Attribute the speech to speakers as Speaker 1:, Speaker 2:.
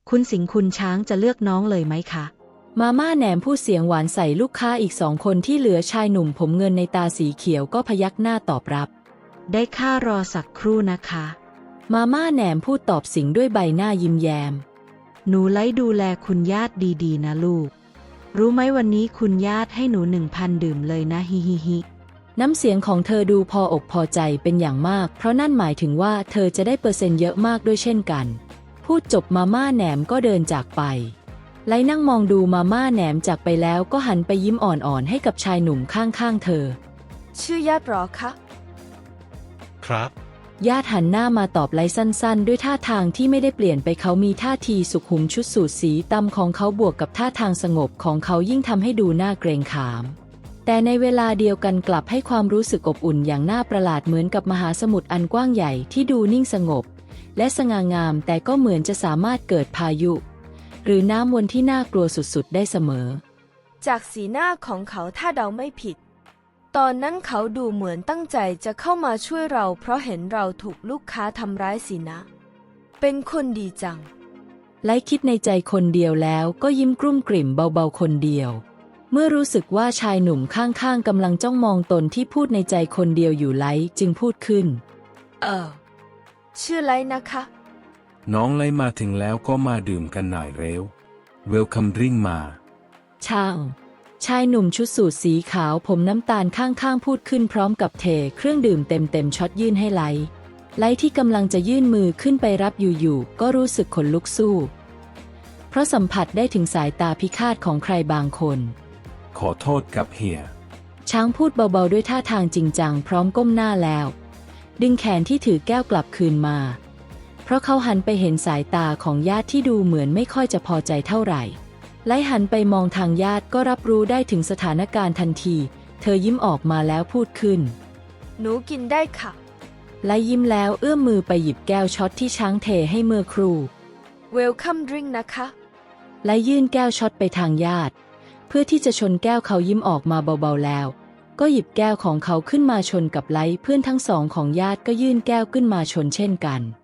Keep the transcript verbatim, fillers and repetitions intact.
Speaker 1: คุณสิงห์คุณช้างจะเลือกน้องเลยไหมคะ
Speaker 2: มาม่าแหนมพูดเสียงหวานใส่ลูกค้าอีกสองคนที่เหลือชายหนุ่มผมเงินในตาสีเขียวก็พยักหน้าตอบรับ
Speaker 1: ได้ค่ารอสักครู่นะคะ
Speaker 2: มาม่าแหนมพูดตอบสิงห์ด้วยใบหน้ายิ้มแย้ม
Speaker 1: หนูไล่ดูแลคุณญาติดีๆนะลูกรู้ไหมวันนี้คุณญาติให้หนูหนึ่งพันดื่มเลยนะฮิฮิฮิ
Speaker 2: น้ำเสียงของเธอดูพออกพอใจเป็นอย่างมากเพราะนั่นหมายถึงว่าเธอจะได้เปอร์เซ็นต์เยอะมากด้วยเช่นกันพูดจบมาม่าแหนมก็เดินจากไปไลนั่งมองดูมาม่าแหนมจากไปแล้วก็หันไปยิ้มอ่อนๆให้กับชายหนุ่มข้างๆเธอ
Speaker 3: ชื่อญาติหรอคะ
Speaker 4: ครับ
Speaker 2: ญาติหันหน้ามาตอบไลสั้นๆด้วยท่าทางที่ไม่ได้เปลี่ยนไปเขามีท่าทีสุขุมชุดสูทสีดำของเขาบวกกับท่าทางสงบของเขายิ่งทำให้ดูน่าเกรงขามแต่ในเวลาเดียวกันกลับให้ความรู้สึกอบอุ่นอย่างน่าประหลาดเหมือนกับมหาสมุทรอันกว้างใหญ่ที่ดูนิ่งสงบและสง่างามแต่ก็เหมือนจะสามารถเกิดพายุหรือน้ำวนที่น่ากลัวสุดๆได้เสมอ
Speaker 3: จากสีหน้าของเขาถ้าเดาไม่ผิดตอนนั้นเขาดูเหมือนตั้งใจจะเข้ามาช่วยเราเพราะเห็นเราถูกลูกค้าทำร้ายสินะเป็นคนดีจัง
Speaker 2: ไลคิดในใจคนเดียวแล้วก็ยิ้มกลุ้มกลิ่มเบาๆคนเดียวเมื่อรู้สึกว่าชายหนุ่มข้างๆกำลังจ้องมองตนที่พูดในใจคนเดียวอยู่ไลจึงพูดขึ้น
Speaker 3: เออชื่อไรนะคะ
Speaker 4: น้องไล่มาถึงแล้วก็มาดื่มกันหน่อยเร็วเวลคัมดริงมา
Speaker 2: ช่างชายหนุ่มชุดสูทสีขาวผมน้ำตาลข้างๆพูดขึ้นพร้อมกับเทเครื่องดื่มเต็มๆช็อตยื่นให้ไลไลที่กำลังจะยื่นมือขึ้นไปรับอยู่ๆก็รู้สึกขนลุกสู้เพราะสัมผัสได้ถึงสายตาพิฆาตของใครบางคน
Speaker 4: ขอโทษกับเฮีย
Speaker 2: ช้างพูดเบาๆด้วยท่าทางจริงจังพร้อมก้มหน้าแล้วดึงแขนที่ถือแก้วกลับคืนมาเพราะเขาหันไปเห็นสายตาของญาติที่ดูเหมือนไม่ค่อยจะพอใจเท่าไหร่ไลหันไปมองทางญาติก็รับรู้ได้ถึงสถานการณ์ทันทีเธอยิ้มออกมาแล้วพูดขึ้น
Speaker 3: หนูกินได้ค่ะ
Speaker 2: ไลยิ้มแล้วเอื้อมมือไปหยิบแก้วช็อตที่ช้างเทให้เมื่อครู่
Speaker 3: Welcome drink นะคะ
Speaker 2: ไลยื่นแก้วช็อตไปทางญาติเพื่อที่จะชนแก้วเขายิ้มออกมาเบาๆแล้วก็หยิบแก้วของเขาขึ้นมาชนกับไลเพื่อนทั้งสองของญาติก็ยื่นแก้วขึ้นมาชนเช่นกัน